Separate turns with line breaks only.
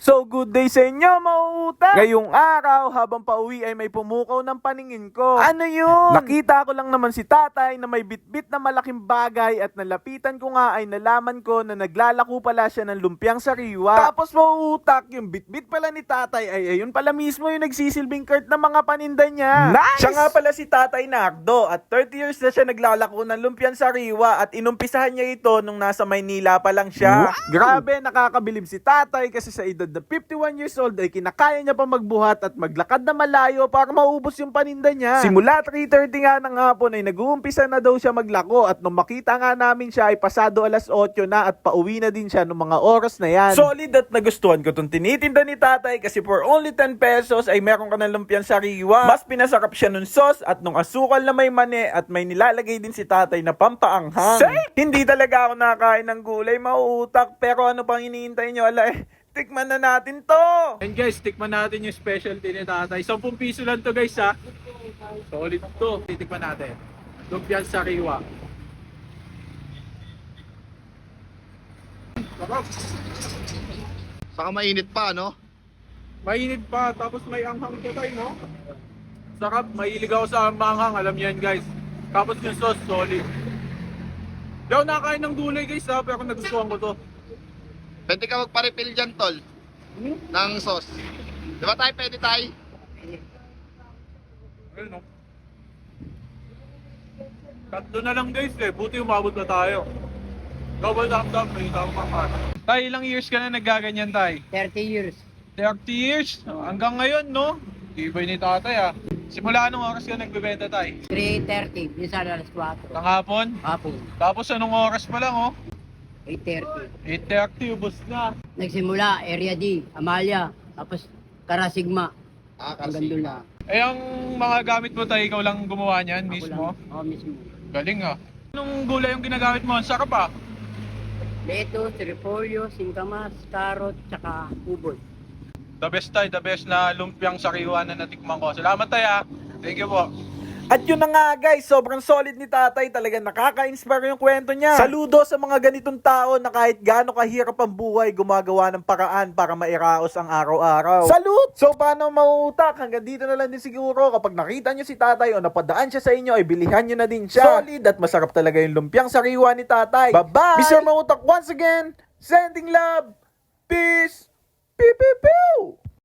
So good day sa inyo, mauuta! Ngayong araw, habang pauwi ay may pumukaw ng paningin ko. Ano yun? Nakita ko lang naman si tatay na may bitbit na malaking bagay at nalapitan ko nga ay nalaman ko na naglalako pala siya ng lumpiang sariwa. Tapos mauutak, yung bitbit pala ni tatay ay ayun pala mismo yung nagsisilbing cart ng mga paninda niya. Nice! Siya nga pala si Tatay Nardo at 30 years na siya naglalako ng lumpiang sariwa at inumpisahan niya ito nung nasa Maynila pa lang siya. Wow! Grabe, nakakabilib si tatay kasi sa edad na 51 years old ay kinakaya niya pa magbuhat at maglakad na malayo para maubos yung paninda niya. Simula 3:30 nga ng hapon ay nag-uumpisa na daw siya maglako at nung makita nga namin siya ay pasado alas 8 na at pauwi na din siya nung mga oras na yan. Solid at nagustuhan ko itong tinitinda ni tatay kasi for only 10 pesos ay meron ka ng lumpiang sariwa. Mas pinasarap siya nung sauce at nung asukal na may mani at may nilalagay din si tatay na pampaanghang. Hindi talaga ako nakakain ng gulay, mauutak, pero ano pang hinihintay nyo? Tikman na natin to!
And guys, tikman natin yung specialty ni tatay. 10 piso lang to guys ha. Solid to. Titikman natin. Lumpiang sariwa. Sarap.
Saka mainit pa, no?
Mainit pa, tapos may anghang to tayo, no? Sarap, mahilig ako sa manghang, alam niyo yan guys. Tapos yung sauce, solid. Di ako nakakain ng gulay guys ha, pero nagustuhan ko to.
Pwede ka magpa-refill dyan, tol. Ng sauce. Di ba tayo pwede tayo?
Ayun, no? Tatlo na lang guys eh, buti umabot na tayo. Double thumbs up, may tao pa. Tay, ilang years ka na naggaganyan tay?
30 years.
30 years? Hanggang ngayon, no? Ibay ni tatay ah. Simula anong oras ka nagbebenta tay?
3:30, minsan alas 4.
Ng hapon?
Hapon,
Tapos anong oras pa lang oh?
8:30.
8:30, ubos na.
Nagsimula, Area D, Amalia, tapos Karasigma, hanggang doon
Kasi.
na.
Eh, ang mga gamit mo tayo, ikaw lang gumawa niyan
Ako
mismo?
lang. Oo, mismo.
Galing ah. Anong gulay yung ginagamit mo? Ang sarap ah.
Lettuce, repolyo, singkamas, carrot, tsaka ubod.
The best tayo, the best na lumpiang sariwa na natikman ko. Salamat tayo ah. Thank you po.
At yun na nga guys, sobrang solid ni tatay, talagang nakaka-inspire yung kwento niya. Saludo sa mga ganitong tao na kahit gaano kahirap ang buhay, gumagawa ng paraan para mairaos ang araw-araw. Salute! So paano mauutak? Hanggang dito na lang din siguro. Kapag nakita nyo si tatay o napadaan siya sa inyo, ay bilihan nyo na din siya. Solid at masarap talaga yung lumpiang sariwa ni tatay. Bye-bye! Mr. Mauutak once again, sending love, peace, pew pew pew!